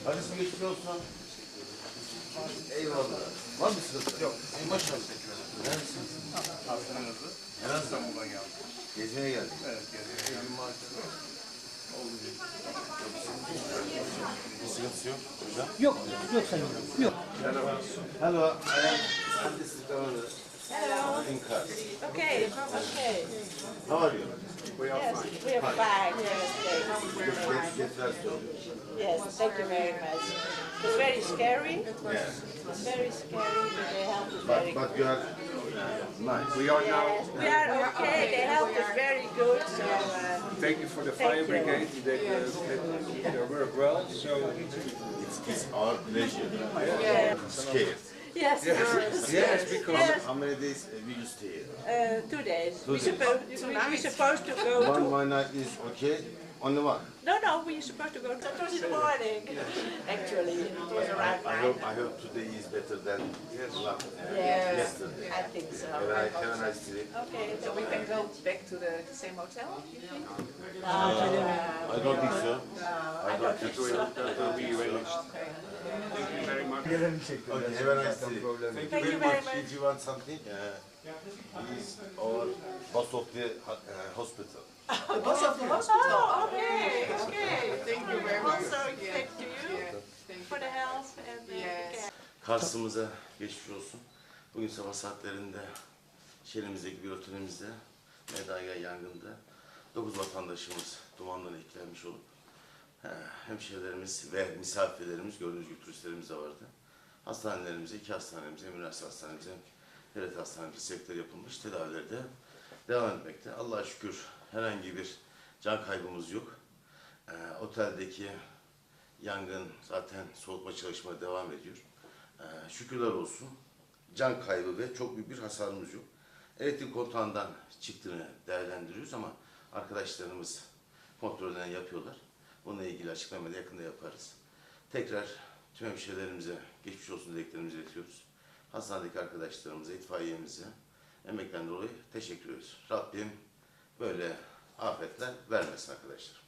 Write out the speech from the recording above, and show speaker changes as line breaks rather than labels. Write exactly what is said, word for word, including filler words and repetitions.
Hadi size geçmiş olsun. Eyvallah. Var mı sıkıntı? Yok. Ey maşallah. Neredesiniz?
Hastanızı.
Nereden?
İstanbul'dan geldim.
Gezmeye geldik.
Evet, gezmeye geldim.
Bir sıkıntısı yok hocam.
Yok, yok sayın. Yok.
Hello, I am Mr. Governor.
Hello.
In car.
Okay, okay.
How are you?
Yes, we are fine. Yes,
Get,
thanks.
get, get rest home.
Yes, thank you very much. It's very scary.
Yeah.
It's very scary, but the help is
But,
very good.
but you are nice.
We are now.
Yes, we are okay. The help is very good. So uh,
Thank you for the
Thank
fire
you.
brigade. They uh, did their work well. So
It's, it's our pleasure.
yeah.
Scared.
Yes, yes,
yes, because
yes.
How many days uh, will you stay here?
Uh, two days.
Two
we
days.
supposed we, we supposed to go
One,
to.
one night is okay. Only one.
No, no, we supposed to go. To, it was in the morning. Actually, it was around
I
nine.
hope, I hope today is better than last, uh,
Yes,
yesterday.
I think so.
Have a, have a nice day.
Okay,
So we can go back to the same hotel?
I don't think so. I don't think so.
that will be arranged.
Okay.
Thank you very much.
Okay, have a nice day.
Thank you very much.
Did you want something? Uh, he's our boss of the ho- uh, hospital.
The boss of the hospital?
Oh, okay, okay.
Thank you very much.
Also, thank to you
Yeah, thank
for
you.
the help and the
Yes.
care.
Kars'ımıza geçmiş olsun. Bugün sabah saatlerinde şehrimizdeki bir otelimizde Medaya yangında dokuz vatandaşımız dumandan etkilenmiş olup he, hemşehrilerimiz ve misafirlerimiz, gördüğünüz gibi turistlerimiz de vardı. Hastanelerimize, iki hastanemize, hem üniversite hastanemize, hem devlet hastanemize sevkler yapılmış, tedavileri de devam etmekte. Allah'a şükür herhangi bir can kaybımız yok. Ee, oteldeki yangın zaten soğutma çalışmaları devam ediyor. Ee, şükürler olsun. Can kaybı ve çok büyük bir hasarımız yok. Elektrik kontağından çıktığını değerlendiriyoruz ama arkadaşlarımız kontrollerini yapıyorlar. Bununla ilgili açıklamayı da yakında yaparız. Tekrar tüm hemşehrilerimize geçmiş olsun dileklerimizi iletiyoruz. Hastanedeki arkadaşlarımıza, itfaiyemize emekten dolayı teşekkür ediyoruz. Rabbim böyle afetler vermesin arkadaşlar.